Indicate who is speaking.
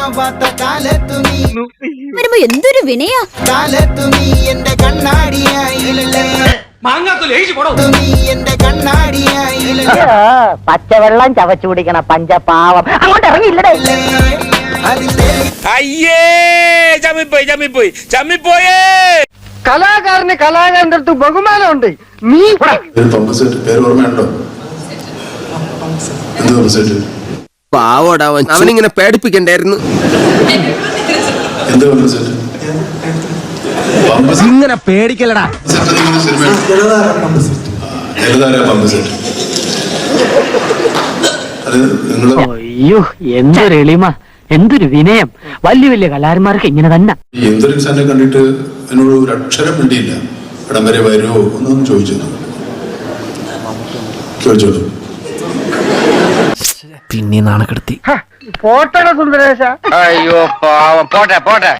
Speaker 1: വരുമ്പോ എന്തൊരു വിനയാ.
Speaker 2: എന്റെ കണ്ണാടിയായില്ലേ
Speaker 3: പച്ചവെള്ളം ചവച്ചു കുടിക്കണ പഞ്ചപാവം അങ്ങോട്ട് ഇറങ്ങിയില്ലടേ.
Speaker 4: അയ്യേ ചമ്മിപ്പോയി
Speaker 3: കലാകാരന് കലാകാരന്റെ അടുത്ത് ബഹുമാനമുണ്ട്. നീ
Speaker 5: പേര് ഓർമ്മയുണ്ടോ? എന്ത് പമ്പസെറ്റ്?
Speaker 4: പാവോടാവൻ അവനിങ്ങനെ പേടിപ്പിക്കണ്ടായിരുന്നു.
Speaker 5: എന്ത് പമ്പസെറ്റ്?
Speaker 4: ഇങ്ങനെ പേടിക്കലടാ.
Speaker 3: അയ്യോ എന്തൊരു എളിമ, എന്തൊരു വിനയം. വലിയ വലിയ കലാകാരന്മാർക്ക് ഇങ്ങനെ തന്നെ.
Speaker 5: എന്തൊരു ഇൻസാനെ കണ്ടിട്ട് എന്നോട് ഒരു അക്ഷരം വേണ്ടിയില്ല. ഇടം വരെ വരുമോ എന്നൊന്നും ചോദിച്ചോളൂ.
Speaker 4: പിന്നെ നാണക്കെടുത്തി
Speaker 3: പോട്ടെ സുന്ദരേശ.
Speaker 4: അയ്യോ പാവം പോട്ടെ